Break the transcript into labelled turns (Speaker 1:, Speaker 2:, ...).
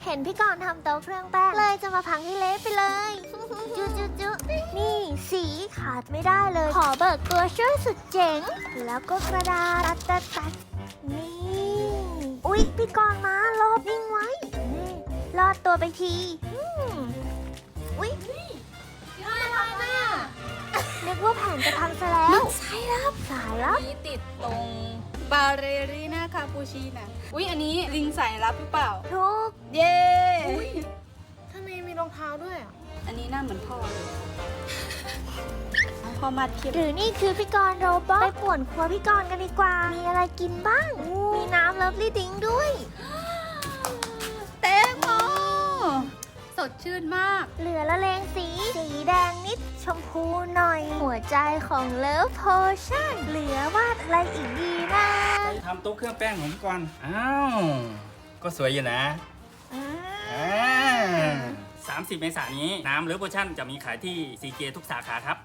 Speaker 1: เห็นพี่กรณ์ทำโต๊ะเครื่องแป้งเลยจะมาพังให้เละไปเลย จุจุจุนี่สีขาดไม่ได้เลย ขอเบิกตัวช่วยสุดเจ๋ง แล้วก็กระดาษตัดนี่ อุ๊ยพี่กรณ์มาลบนิ่งไว้นี่รอดตัวไปทีอุ๊ยนึกว่าแผนจะพังซะแล้วสายลับ
Speaker 2: นี่ติดตรงบาเรรีน่าคาปูชิน่ะอุ๊ยอันนี้ลิงสายลับหรือเปล่า
Speaker 1: ทุก
Speaker 2: เย้
Speaker 3: ทำไมมีรองเท้าด้วยอ่ะ
Speaker 2: อันนี้หน้าเหมือนพ่อเลยพ่อมัดคลิป
Speaker 1: หรือนี่คือพี่กรณ์โรบอทไปป่วนครัวพี่กรณ์กันดีกว่า มีอะไรกินบ้าง มีน้ำเลิฟลี่ดิ้งด้วย
Speaker 2: แตงโมสดชื่นมาก
Speaker 1: เหลือละเลงสีแดงนิดชมพูหน่อย หัวใจของเลิฟโพชั่นเหลือวาดอะไรอีกดีนะ
Speaker 4: ทำโต๊ะเครื่องแป้งของพี่กรณ์อ้าว ก็สวยอยู่นะ30 เมษายนนี้น้ำเลิฟโพชั่นจะมีขายที่ซีเจทุกสาขาครับ